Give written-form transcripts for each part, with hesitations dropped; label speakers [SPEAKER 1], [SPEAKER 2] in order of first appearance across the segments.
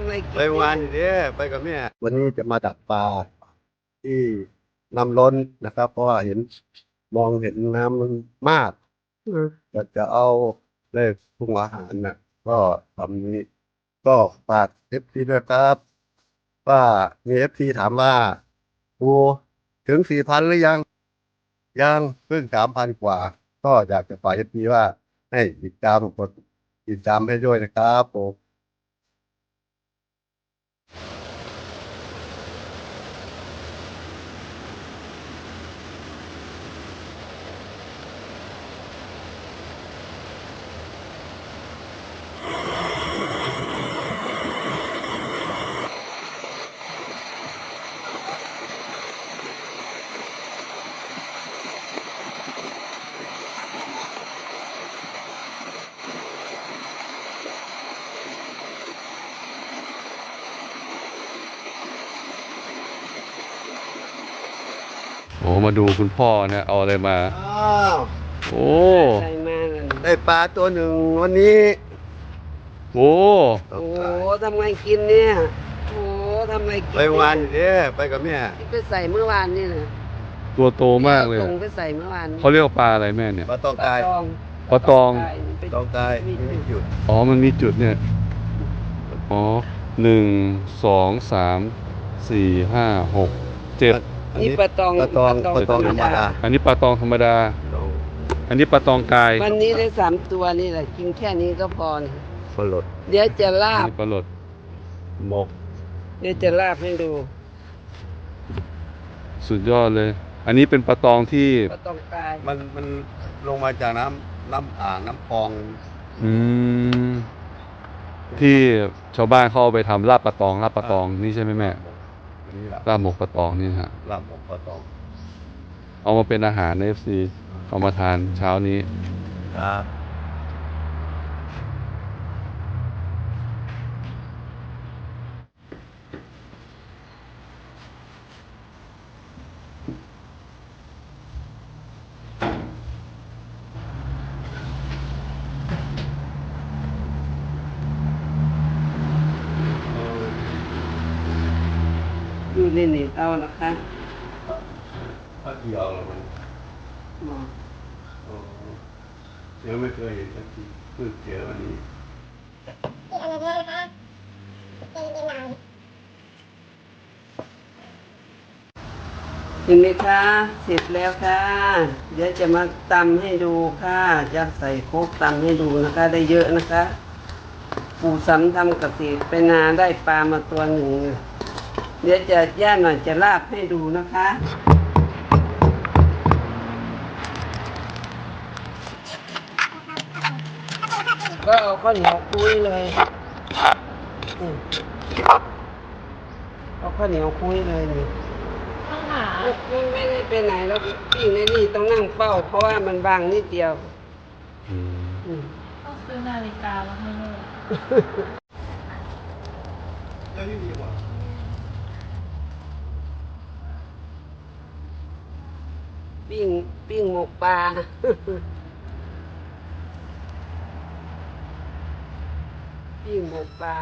[SPEAKER 1] ำอะไรกิน
[SPEAKER 2] ไปงานอยู่เนี่ยไปกับแม่วันนี้จะมาดักปลาที่น้ำล้นนะครับเพราะว่ามองเห็นน้ำมันมากจะเอาเลขปรุงอาหารน่ะก็ทำนี้ก็ฝากFCด้วยครับว่ามีFCถามว่าปูถึง4,000หรือยังเพิ่ง3,000กว่าก็อยากจะฝากFCว่าให้ติดตามให้ด้วยนะครับผม
[SPEAKER 3] โอ้มาดูคุณพ่อเนี่ยเอาอะไรมา
[SPEAKER 2] อ้าว
[SPEAKER 3] โอ้
[SPEAKER 1] อะไรมาล่ะ
[SPEAKER 2] ได้ปลาตัวหนึ่งวันนี้
[SPEAKER 3] โอ้
[SPEAKER 1] โอ้ทำไงกินเนี่ยโอ้ทำไงกิน
[SPEAKER 2] ไปงานอยู่เนี่ยไปกับแม่
[SPEAKER 1] ที่ไปใส่เมื่อวานนี่นะ
[SPEAKER 3] ตัวโตมากเลย
[SPEAKER 1] ส่งไปใส่เมื่อวาน
[SPEAKER 3] เขาเรียกว่าปลาอะไรแม่เนี่ย
[SPEAKER 2] ปลาตองกาย
[SPEAKER 3] ปลาตอง
[SPEAKER 2] ตองกายไม่หยุด
[SPEAKER 3] อ๋อมันมีจุดเนี่ยอ๋อ1 2 3 4 5 6 7
[SPEAKER 1] นี่ปลาตอง
[SPEAKER 2] ปลาตองธรรมดา
[SPEAKER 3] อันนี้ปลาตองธรรมดา อันนี้ปลาตองกาย
[SPEAKER 1] วันนี้ได้3 ตัวนี่แหละกินแค่นี้ก็พอนะ
[SPEAKER 2] ฝลด
[SPEAKER 1] เดี๋ยวจะลา
[SPEAKER 3] อัน
[SPEAKER 1] บ
[SPEAKER 3] นี้ปลาหลด
[SPEAKER 2] หมก
[SPEAKER 1] เดี๋ยวจะลาบให้ดู
[SPEAKER 3] สุดยอดเลย อันนี้เป็นปลาตองที่
[SPEAKER 1] ปลาตองกาย
[SPEAKER 2] มันลงมาจากน้ำอ่างน้ำคลอง
[SPEAKER 3] อืมที่ชาวบ้านเขาเอาไปทำลาบปลาตองนี่ใช่ไหมแม่
[SPEAKER 2] อันนี้แหละ
[SPEAKER 3] ลาบหมกปลาตองนี่ฮะ
[SPEAKER 2] ลาบหมกปลาตอง
[SPEAKER 3] เอามาเป็นอาหารใน FC เอามาทานเช้านี้
[SPEAKER 2] ครับ
[SPEAKER 1] อยู่ในนี่เอานะคะ
[SPEAKER 2] ปลาเกี่ยวเหรอมันยังไม่เคยเห็นสักทีเพิ่งเจอวันนี้
[SPEAKER 1] เห็นไหมคะเสร็จแล้วค่ะเดี๋ยวจะมาตำให้ดูค่ะจะใส่โคกตำให้ดูนะคะ ได้เยอะนะคะ ปู่สำทำเกษตรไปนาได้ปลามาตัวหนึ่งเดี๋ยวจะย่าหน่อยจะลาบให้ดูนะคะ ก็เอาข้าวเหนียวคุยเลยเอาข้าวเหนียวคุยเลยนี่ไม่ได้ไปไหนแล้วพี่ในนี่ต้องนั่งเฝ้า เพราะว่ามันบางนิดเดียว
[SPEAKER 4] ต้องซื้อนาฬิกามาให้แม่
[SPEAKER 1] ปิ้งหมกปลา ปิ้งหมกปลา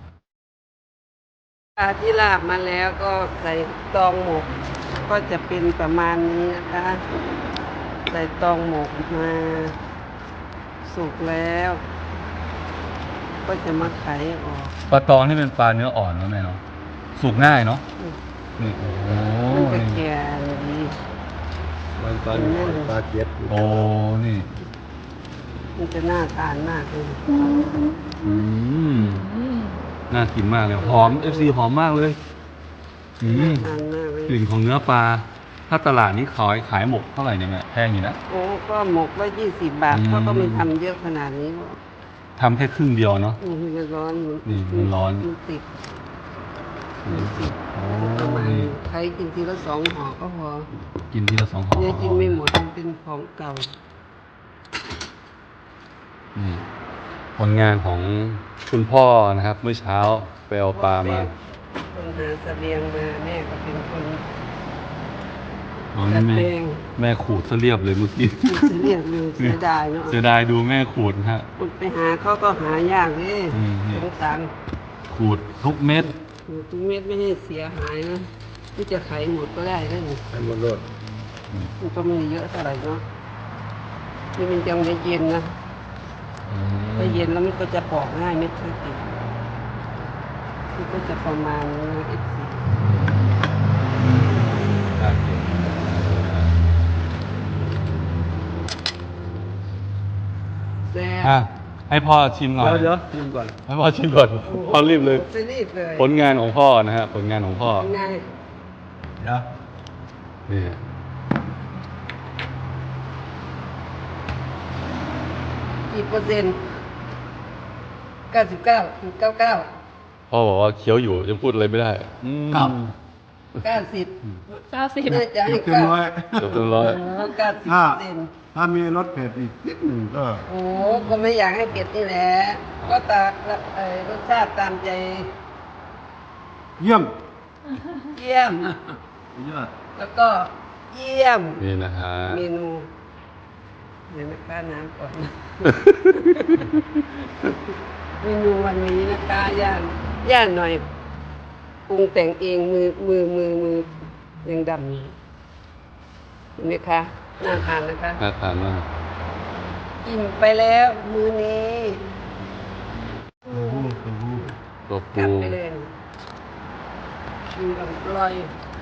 [SPEAKER 1] ที่ลาบมาแล้วก็ใส่ตองหมก ก็จะเป็นประมาณนี้นะคะ ใส่ตองหมกมาสุกแล้ว ก็จะมาไขออก
[SPEAKER 3] ปลาตองนี่เป็นปลาเนื้ออ่อนนะแม่เนาะสุกง่ายเนาะนี่โอ้โห
[SPEAKER 1] มันจะ
[SPEAKER 3] นี่
[SPEAKER 1] แก่ดี
[SPEAKER 2] มันปลาเก็ด
[SPEAKER 3] โอ้นี่
[SPEAKER 1] มันจะน่าทานมากเลย
[SPEAKER 3] อืมน่ากินมากเลยหอม FC หอมมากเลยอืม
[SPEAKER 1] ทานมากเลย
[SPEAKER 3] กลิ่นของเนื้อปลาถ้าตลาดนี้ขายหมกเท่าไหร่เนี่ยแม่แพงอยู่นะ
[SPEAKER 1] โอ้ก็หมกละ20 บาทเขาก็ไม่ทำเยอะขนาดนี้หรอก
[SPEAKER 3] ทำแค่ครึ่งเดียวเนาะ
[SPEAKER 1] มันร้อน
[SPEAKER 3] นี่มันร้อน
[SPEAKER 1] มันติด
[SPEAKER 3] โอ้
[SPEAKER 1] ประมาณ
[SPEAKER 3] นี่
[SPEAKER 1] ใครกินทีละ2 ห่อก็พอ
[SPEAKER 3] กินทีละ2 ห่อ
[SPEAKER 1] เนี่ยกินไม่หมดมันเป็นของเก่า
[SPEAKER 3] นี่ผลงานของคุณพ่อนะครับ เมื่อเช้าไปเอาปลามา
[SPEAKER 1] คนหาเสบียงมาแม่ก็เป็นคน
[SPEAKER 3] อ๋อนี่แม่ขูดซะเรียบเลยเมื่อกี้
[SPEAKER 1] จะเรียกเลยเสียดายเนาะ
[SPEAKER 3] เสียดายดูแม่ขูดนะฮะ
[SPEAKER 1] คุณไปหาเขาก็หายากเลย
[SPEAKER 3] นี่
[SPEAKER 1] สงสาร
[SPEAKER 3] ขูดทุกเม็ด
[SPEAKER 1] ทุกเม็ดไม่ให้เสียหายนะที่จะไขหมดก็ได้นะนี่
[SPEAKER 2] ให้หมดรถ
[SPEAKER 1] มันก็ไม่เยอะเท่าไหร่เนาะนี่มันยังไม่เย็นนะถ้าเย็นแล้วมันก็จะปอกง่ายเม็ดเท่ากันมันก็จะประมาณนี้นะ14แซ่
[SPEAKER 3] อ่ะ
[SPEAKER 1] บ
[SPEAKER 3] ให้พ่อชิมหน่อย
[SPEAKER 2] เดี๋ยวชิมก่อน
[SPEAKER 3] ให้พ่อชิมก่อนพ่อรีบเลย
[SPEAKER 1] จะรีบเลย
[SPEAKER 3] ผลงานของพ่อนะฮะผลงานของพ่อ
[SPEAKER 1] ง่าย
[SPEAKER 2] เดี๋ยว
[SPEAKER 3] นี่
[SPEAKER 1] กี่เปอร์เซ็นต์99.99
[SPEAKER 3] พ่อบอกว่าเคี้ยวอยู่ยังพูดอะไรไม่ได้
[SPEAKER 2] กลับ
[SPEAKER 1] 90
[SPEAKER 4] 90
[SPEAKER 1] น่าจะให้
[SPEAKER 2] เต็มร้อย
[SPEAKER 3] เกือบเต็มร้อย
[SPEAKER 2] ถ้า
[SPEAKER 1] 90%
[SPEAKER 2] ถ้ามีรสเผ็ดอีกนิดหนึ่งก็
[SPEAKER 1] โอ้ก็ไม่อยากให้เผ็ดนี่แหละ ก็ตารสชาติตามใจ
[SPEAKER 2] เยี่ยม
[SPEAKER 1] เยี่ยม
[SPEAKER 2] ยอด
[SPEAKER 1] แล้วก็เยี่ยม
[SPEAKER 3] นี่นะฮะ
[SPEAKER 1] เมนูเดี๋ยวนะคะน้ำก่อน เมนูวันนี้นะคะย่างหน่อยปรุงแต่งเองมือยังดำอยู่เห็นไหมคะน่าทานนะคะ
[SPEAKER 3] น่าทานมาก
[SPEAKER 1] อิ่มไปแล้วมื้อนี้
[SPEAKER 3] ตัว
[SPEAKER 1] กลั
[SPEAKER 3] ปู
[SPEAKER 1] บไปเลยกินอร่อย